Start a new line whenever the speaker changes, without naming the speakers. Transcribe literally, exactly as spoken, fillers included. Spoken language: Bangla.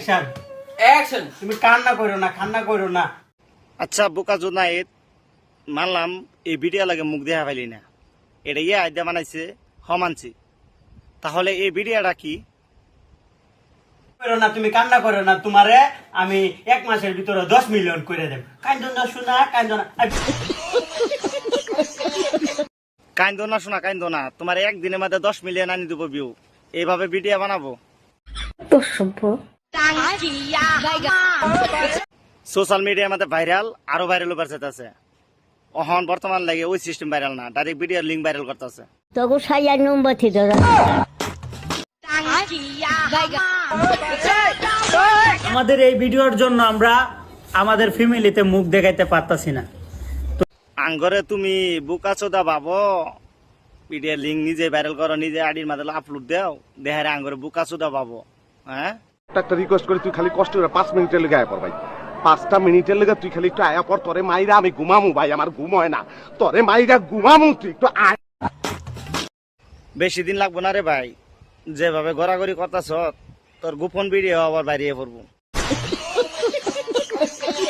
Action
action.
তুমি কান্না করো না, কান্না করো না।
আচ্ছা বোকা জোনায়েত, মানলাম এই ভিডিও লাগে মুখ দেখা পাইলি না, এটা ইয়ে আইডিয়া বানাইছে হমানছি, তাহলে এই ভিডিওটা কি?
করো না, তুমি কান্না করো না, তোমারে আমি এক মাসের ভিতরে দশ মিলিয়ন করে দেব। কান্দো না শোনা, কান্দো না।
কাইন্দো না শোনা, কাইন্দো না, তোমার একদিনের মধ্যে দশ মিলিয়ন আনি দেবো ভিউ। এইভাবে ভিডিও বানাবো? সোশ্যাল মিডিয়ার মধ্যে ভাইরাল, আরো ভাইরাল ওভার আছে। অহন বর্তমান লাগে ওই সিস্টেম ভাইরাল না, ডাইরেক্ট ভিডিওর লিঙ্ক ভাইরাল করতেছে।
তবু সাইয়ার নম্বর থেকে
আমাদের এই ভিডিওর জন্য আমরা আমাদের ফ্যামিলিতে মুখ দেখাইতে পারতাছি না।
আঙ্গরে তুমি বুকা চোদা ভাবো, ভিডিওর লিঙ্ক নিজে ভাইরাল করো, নিজে আইডির মাধ্যমে আপলোড দাও, দেহারে আঙ্গরে বুকা চোদা ভাবো। হ্যাঁ,
একটা রিকোয়েস্ট করি, তুই খালি কষ্ট করে পাঁচ মিনিটের লেগে আয়া পর ভাই, পাঁচটা মিনিটের লেগে তুই খালি একটু আয়া পর, তোরে মাইরা আমি ঘুমামু ভাই, আমার ঘুম হয় না, তোরে মাইরা ঘুমামু, তুই একটু আয়।
বেশি দিন লাগবো না রে ভাই, যেভাবে ঘোরাঘুরি করতেছ তোর গোপন ভিডিও আবার বাইরে পড়বো।